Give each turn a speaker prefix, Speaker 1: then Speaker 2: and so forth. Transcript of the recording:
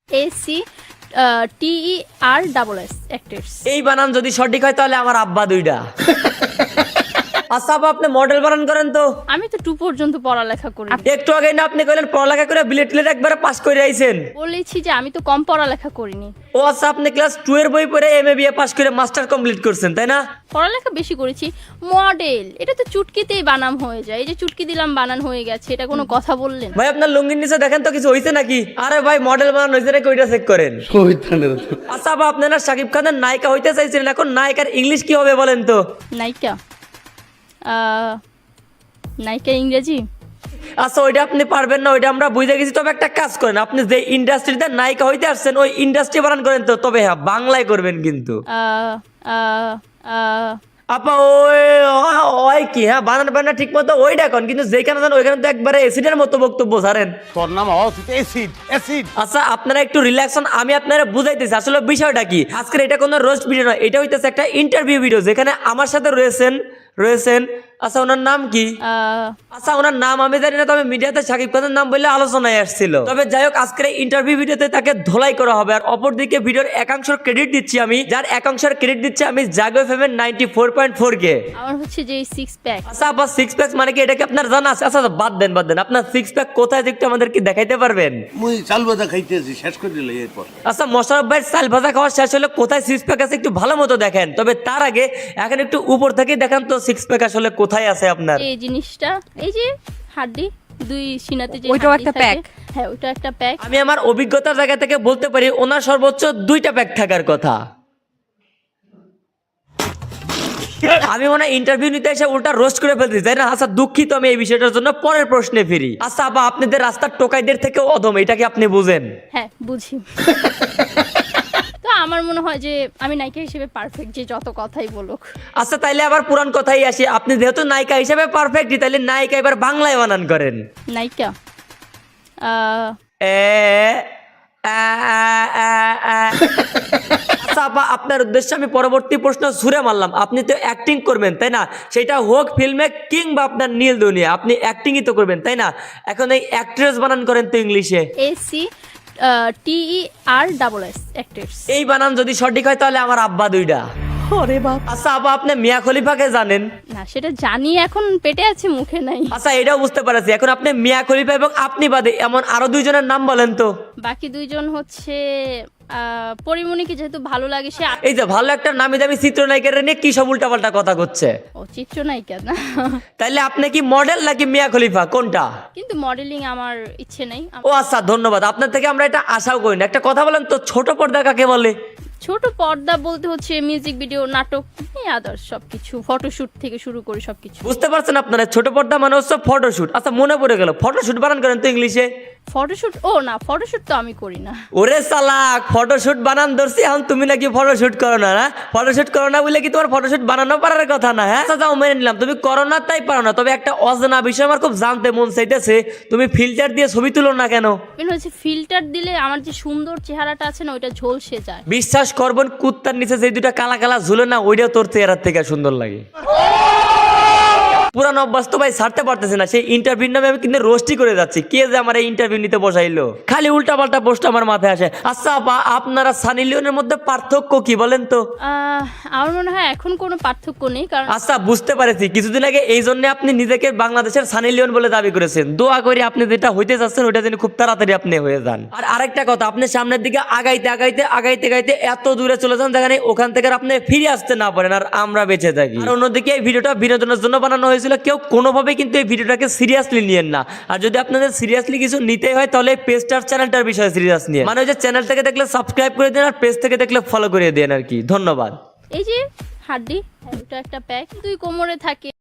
Speaker 1: ACTERSS actors.
Speaker 2: এই বানান যদি সঠিক হয় তাহলে আমার আব্বা দুইটা। আচ্ছা আপা, আপনি মডেল বানান করেন তো?
Speaker 1: আমি তো 2 পর্যন্ত পড়ালেখা করি।
Speaker 2: একটু আগে না আপনি কইলেন পড়ালেখা করে বিলেট একবারে পাস করে আইছেন।
Speaker 1: বলেছি যে আমি তো কম পড়ালেখা করিনি।
Speaker 2: ও আচ্ছা, আপনি ক্লাস 2 এর বই পড়ে এমএ বিএ পাস করে মাস্টার কমপ্লিট করছেন তাই না?
Speaker 1: পড়ালেখা বেশি করেছি। মডেল এটা তো চুটকিতেই বানাম হয়ে যায়। এই যে চুটকি দিলাম বানান হয়ে গেছে, এটা কোনো কথা বললেন?
Speaker 2: ভাই আপনার লুঙ্গির নিচে দেখেন তো কিছু হইছে নাকি? আরে ভাই মডেল বানান হইছে নাকি ওইটা চেক করেন। আচ্ছা আপা, আপনারা শাকিব খানের নায়িকা হইতে চাইছিলেন, এখন নায়িকার ইংলিশ কি হবে বলেন তো?
Speaker 1: নায়িকা নায়িকা ইংরেজি।
Speaker 2: আচ্ছা ওইটা আপনি পারবেন না, ওইটা আমরা বুঝে গেছি। তবে একটা কাজ করেন, আপনি যে ইন্ডাস্ট্রিতে নায়িকা হইতে আসছেন ওই ইন্ডাস্ট্রি বানান করেন তো। তবে হ্যাঁ, বাংলায় করবেন কিন্তু। আপা ওই কি, হ্যাঁ বানান বানান ঠিক মতো ওইটা কোন, কিন্তু যেখানে যান ওইখানে তো একবারে অ্যাসিডের মতো বক্তব্য ছাড়েন।
Speaker 3: তোর নাম অ্যাসিড অ্যাসিড।
Speaker 2: আচ্ছা আপনারা একটু রিল্যাক্স হন, আমি আপনারা বুঝাইতেছি আসলে বিষয়টা কি। আজকের এটা কোনো রোস্ট ভিডিও নয়, এটা হইতেছে একটা ইন্টারভিউ ভিডিও যেখানে আমার সাথে রয়েছেন। আচ্ছা ওনার নাম কি? আচ্ছা ওনার নাম আমি জানি না, তবে মিডিয়াতে শাকিব খানের নাম বললে আলোচনায় আসছিল। তবে যাই হোক, আজকের ইন্টারভিউ ভিডিওতে তাকে ধোলাই করা হবে। আর অপরদিকে ভিডিওর একাংশের ক্রেডিট দিচ্ছি আমি, যার একাংশের ক্রেডিট দিচ্ছি আমি জাগো এফএম 94.4 কে।
Speaker 1: আমার হচ্ছে যে 6 প্যাক।
Speaker 2: আচ্ছা আবার 6 প্যাক মানে কি, এটা কি আপনার জানা আছে? আচ্ছা বাদ দেন আপনার 6 প্যাক কোথায় একটু আমাদেরকে দেখাইতে পারবেন?
Speaker 3: মুই চাল ভাজা খাইতেছি, শেষ করে দিলে এরপর।
Speaker 2: আচ্ছা মোশাররফ ভাই চাল ভাজা খাওয়া শেষ হলে কোথায় 6 প্যাক আছে একটু ভালো মতো দেখেন। তবে তার আগে এখন একটু উপর থেকে দেখান তো 6 প্যাক আসলে কোথায় আছে আপনার।
Speaker 1: এই জিনিসটা, এই যে হাড্ডি দুই সিনাতে যে
Speaker 4: ওইটাও
Speaker 1: হাড্ডি
Speaker 4: একটা
Speaker 1: থাকে।
Speaker 4: প্যাক।
Speaker 1: হ্যাঁ ওইটা একটা প্যাক।
Speaker 2: আমি আমার অভিজ্ঞতার জায়গা থেকে বলতে পারি ওনার সর্বোচ্চ 2টা প্যাক থাকার কথা। আমি মনে হয় ইন্টারভিউ নিতে এসে উল্টা রোস্ট করে ফেলতেছি তাই না? আচ্ছা দুঃখিত আমি এই বিষয়টার জন্য। পরের প্রশ্নে ফিরি। আচ্ছা আপা, আপনাদের রাস্তার টোকাইদের থেকেও অদম, এটা কি আপনি বুঝেন?
Speaker 1: হ্যাঁ বুঝি। তো আমার মনে হয় যে আমি নায়িকা হিসেবে পারফেক্ট, যে যত কথাই বলুক।
Speaker 2: আচ্ছা তাইলে আবার পুরান কথাই আসি, আপনি যেহেতু নায়িকা হিসেবে পারফেক্ট, তাইলে নায়িকা এবার বাংলায় বানান করেন।
Speaker 1: নায়িকা
Speaker 2: আচ্ছা আপা, আপনার উদ্দেশ্যে আমি পরবর্তী প্রশ্ন ছুড়ে মারলাম। আপনি তো অ্যাক্টিং করবেন তাই না? সেটা হোক ফিল্মে কিংবা আপনার নীল দুনিয়া, আপনি অ্যাক্টিংই তো করবেন তাই না? এখন এই অ্যাক্ট্রেস বানান করেন তো ইংলিশে।
Speaker 1: ACTERSS actors.
Speaker 2: এই বানান যদি সঠিক হয় তাহলে আমার আব্বা দুইটা।
Speaker 4: ওরে বাপ।
Speaker 2: আচ্ছা আপা, আপনি মিয়া খলিফাকে জানেন?
Speaker 1: না সেটা জানি, এখন পেটে আছে মুখে নাই।
Speaker 2: আচ্ছা এটাও বুঝতে পারছি। এখন আপনি মিয়া খলিফা এবং আপনি বাদে এমন আরো 2 জনের নাম বলেন তো।
Speaker 1: বাকি 2 জন হচ্ছে পরিমণিকে যেহেতু ভালো লাগে সে।
Speaker 2: এই যে ভালো একটা নামি দামি চিত্রনায়িকার নিয়ে কি সব উল্টাপাল্টা কথা করছে।
Speaker 1: ও চিত্রনায়িকা না।
Speaker 2: তাইলে আপনি কি মডেল নাকি মিয়া খলিফা, কোনটা?
Speaker 1: কিন্তু মডেলিং আমার ইচ্ছে নেই।
Speaker 2: ও আচ্ছা ধন্যবাদ, আপনার থেকে আমরা এটা আশাও করি না। একটা কথা বলেন তো, ছোট পর্দা কাকে বলে?
Speaker 1: ছোট পর্দা বলতে হচ্ছে মিউজিক ভিডিও, নাটক, আদার্স সবকিছু, ফটোশুট থেকে শুরু করে সবকিছু।
Speaker 2: বুঝতে পারছেন আপনারা? ছোট পর্দা মানে হচ্ছে ফটোশুট। আচ্ছা মনে পড়ে গেল, ফটোশুট বানান করেন তো ইংলিশে।
Speaker 1: ফটোশুট? ও না, ফটোশুট তো আমি করি না।
Speaker 2: ওরে সালাক, ফটোশুট বানান ধরছি এখন তুমি নাকি ফটোশুট করো না? না ফটোশুট করো না বলে কি তোমার ফটোশুট বানানো পারার কথা না? হ্যাঁ আচ্ছা যাও মেনে নিলাম তুমি করো না, তাই পারো না। তবে একটা অজানা বিষয় আমার খুব জানতে মন চাইতেছে, তুমি ফিল্টার দিয়ে ছবি তুলো না কেন?
Speaker 1: হচ্ছে ফিল্টার দিলে আমার যে সুন্দর চেহারাটা আছে না, ওইটা ঝলসে যায়।
Speaker 2: বিশ্বাস করবেন, কুত্তার নিচে যে 2টা কালা কালা ঝুলে না, ওইটাও তোর চেহারার থেকে সুন্দর লাগে। পুরান অভ্যাস তো ভাই ছাড়তে পারতেছে না। সেই ইন্টারভিউ নামে আমি কিন্তু রোস্টই করে যাচ্ছি। কে যে আমার এই ইন্টারভিউ নিতে বসাইলো, খালি উল্টা পাল্টা পোস্ট আমার মাথায় আসে। আচ্ছা আপা, আপনারা সানি লিওনের মধ্যে পার্থক্য কি বলেন তো?
Speaker 1: আমার মনে হয় এখন কোনো পার্থক্য নেই, কারণ
Speaker 2: আচ্ছা বুঝতে পারছি, কিছুদিন আগে এই জন্য আপনি নিজেকে বাংলাদেশের সানি লিওন বলে দাবি করেছেন। দোয়া করি আপনি যেটা হইতে যাচ্ছেন ওইটা যেন খুব তাড়াতাড়ি আপনি হয়ে যান। আর আরেকটা কথা, আপনি সামনের দিকে আগাইতে এত দূরে চলে যান যেখানে ওখান থেকে আপনি ফিরে আসতে না পারেন আর আমরা বেঁচে থাকি। আর অন্যদিকে এই ভিডিওটা বিনোদনের জন্য বানানো হয়েছিল, কেউ কোনোভাবে কিন্তু এই ভিডিওটাকে সিরিয়াসলি নিয়েন না। আর যদি আপনাদের সিরিয়াসলি কিছু নিতেই হয় তাহলে পেজটার চ্যানেলটার বিষয়ে সিরিয়াস নিয়ে, মানে ওই যে চ্যানেল থেকে দেখলে সাবস্ক্রাইব করে দেন আর পেজ থেকে দেখলে ফলো করে দেন আর কি। ধন্যবাদ।
Speaker 1: এই যে হাড্ডি, ওটা একটা প্যাক, 2 কোমরে থাকে।